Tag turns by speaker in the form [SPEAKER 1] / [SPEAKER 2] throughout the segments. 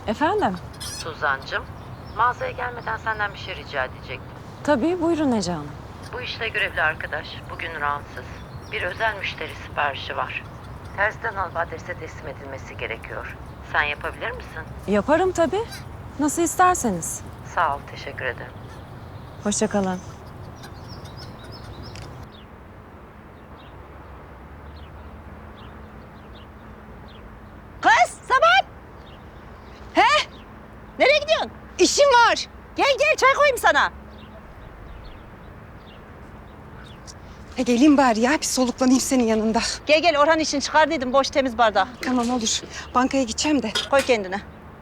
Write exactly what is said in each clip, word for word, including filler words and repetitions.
[SPEAKER 1] Efendim?
[SPEAKER 2] Suzan'cığım, mağazaya gelmeden senden bir şey rica edecektim.
[SPEAKER 1] Tabii, buyurun Ece Hanım.
[SPEAKER 2] Bu işle görevli arkadaş bugün rahatsız. Bir özel müşteri siparişi var. Terziden alıp adrese teslim edilmesi gerekiyor. Sen yapabilir misin?
[SPEAKER 1] Yaparım tabii. Nasıl isterseniz.
[SPEAKER 2] Sağ ol, teşekkür ederim.
[SPEAKER 1] Hoşça kalın.
[SPEAKER 3] Kız Sabahat! He? Nereye gidiyorsun? İşim var. Gel gel çay koyayım sana.
[SPEAKER 4] E geleyim bari ya, bir soluklanayım senin yanında.
[SPEAKER 3] Gel gel Orhan için çıkardıydım boş temiz bardağı.
[SPEAKER 4] Tamam olur. Bankaya gideceğim de.
[SPEAKER 3] Koy kendine.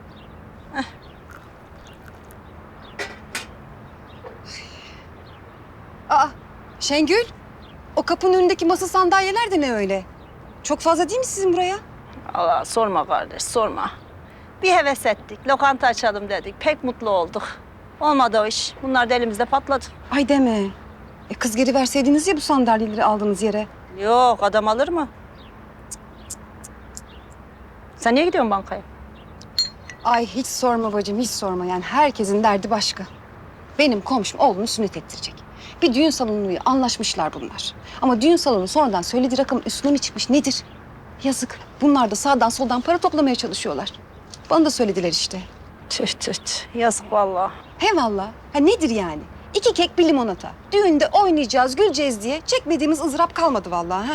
[SPEAKER 4] Aa, Şengül. O kapının önündeki masa sandalyeler de ne öyle? Çok fazla değil mi sizin buraya?
[SPEAKER 3] Allah sorma kardeş sorma. Bir heves ettik. Lokanta açalım dedik. Pek mutlu olduk. Olmadı o iş. Bunlar da elimizde patladı.
[SPEAKER 4] Ay deme. E kız geri verseydiniz ya bu sandalyeleri aldığınız yere.
[SPEAKER 3] Yok adam alır mı? Sen niye gidiyorsun bankaya?
[SPEAKER 4] Ay hiç sorma bacım, hiç sorma. Yani herkesin derdi başka. Benim komşum oğlunu sünnet ettirecek. Bir düğün salonuyla anlaşmışlar bunlar. Ama düğün salonu sonradan söylediği rakamın üstüne mi çıkmış nedir? Yazık. Bunlar da sağdan soldan para toplamaya çalışıyorlar. Bana da söylediler işte.
[SPEAKER 3] Tüh tüh tüh. Yazık vallahi.
[SPEAKER 4] He valla. Ha nedir yani? İki kek bir limonata. Düğünde oynayacağız, güleceğiz diye çekmediğimiz ızdırap kalmadı vallahi. Ha?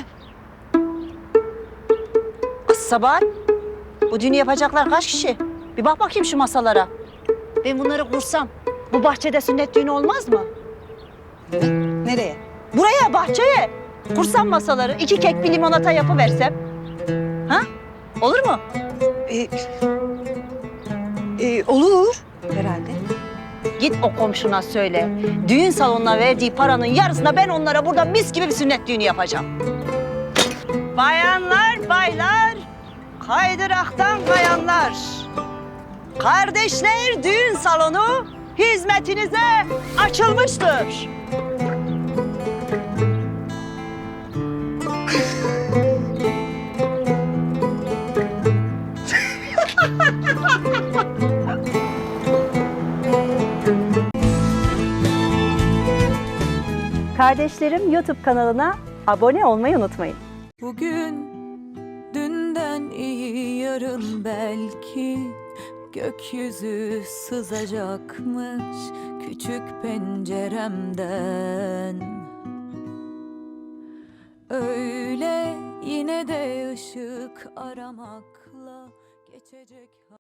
[SPEAKER 3] Kız Sabahat. Bu düğünü yapacaklar kaç kişi? Bir bak bakayım şu masalara. Ben bunları kursam bu bahçede sünnet düğünü olmaz mı?
[SPEAKER 4] Nereye?
[SPEAKER 3] Buraya bahçeye. Kursam masaları iki kek bir limonata yapıversem. Ha? Olur mu?
[SPEAKER 4] Ee, e, olur herhalde.
[SPEAKER 3] Git o komşuna söyle. Düğün salonuna verdiği paranın yarısına ben onlara burada mis gibi bir sünnet düğünü yapacağım. Bayanlar, baylar, kaydıraktan kayanlar. Kardeşler düğün salonu hizmetinize açılmıştır. Kardeşlerim YouTube kanalına abone olmayı unutmayın.
[SPEAKER 5] Bugün dünden iyi yarın belki gökyüzü sızacakmış küçük penceremden. Öyle yine de ışık aramakla geçecek.